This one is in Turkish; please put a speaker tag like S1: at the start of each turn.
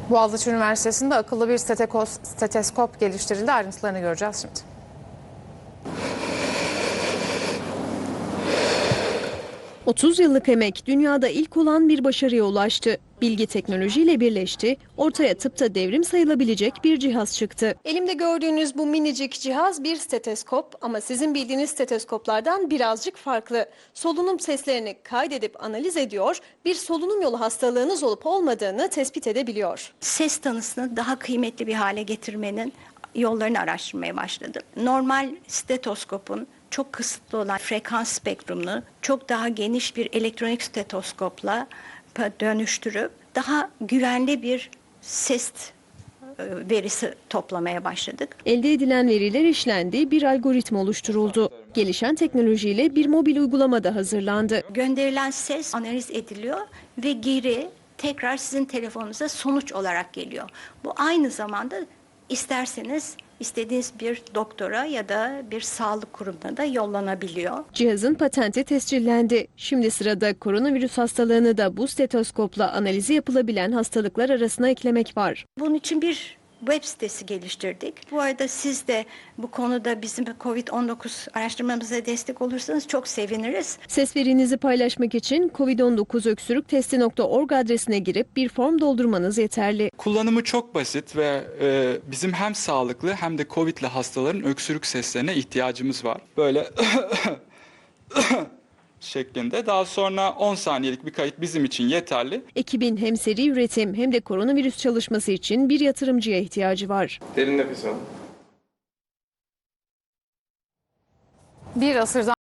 S1: Boğaziçi Üniversitesi'nde akıllı bir steteskop geliştirildi. Ayrıntılarını göreceğiz şimdi.
S2: 30 yıllık emek dünyada ilk olan bir başarıya ulaştı. Bilgi teknolojiyle birleşti, ortaya tıpta devrim sayılabilecek bir cihaz çıktı. Elimde gördüğünüz bu minicik cihaz bir steteskop ama sizin bildiğiniz steteskoplardan birazcık farklı. Solunum seslerini kaydedip analiz ediyor, bir solunum yolu hastalığınız olup olmadığını tespit edebiliyor.
S3: Ses tanısını daha kıymetli bir hale getirmenin yollarını araştırmaya başladım. Normal stetoskopun çok kısıtlı olan frekans spektrumunu çok daha geniş bir elektronik stetoskopla dönüştürüp daha güvenli bir ses verisi toplamaya başladık.
S2: Elde edilen veriler işlendi, bir algoritma oluşturuldu. Gelişen teknolojiyle bir mobil uygulama da hazırlandı.
S3: Gönderilen ses analiz ediliyor ve geri tekrar sizin telefonunuza sonuç olarak geliyor. Bu aynı zamanda isterseniz istediğiniz bir doktora ya da bir sağlık kurumuna da yollanabiliyor.
S2: Cihazın patenti tescillendi. Şimdi sırada koronavirüs hastalığını da bu stetoskopla analizi yapılabilen hastalıklar arasına eklemek var.
S3: Bunun için bir web sitesi geliştirdik. Bu arada siz de bu konuda bizim COVID-19 araştırmamıza destek olursanız çok seviniriz.
S2: Ses verinizi paylaşmak için covid19öksürüktesti.org adresine girip bir form doldurmanız yeterli.
S4: Kullanımı çok basit ve bizim hem sağlıklı hem de COVID'li hastaların öksürük seslerine ihtiyacımız var. Böyle şeklinde. Daha sonra 10 saniyelik bir kayıt bizim için yeterli.
S2: Ekibin hem seri üretim hem de koronavirüs çalışması için bir yatırımcıya ihtiyacı var.
S5: Derin nefes alın.
S1: Bir asırdan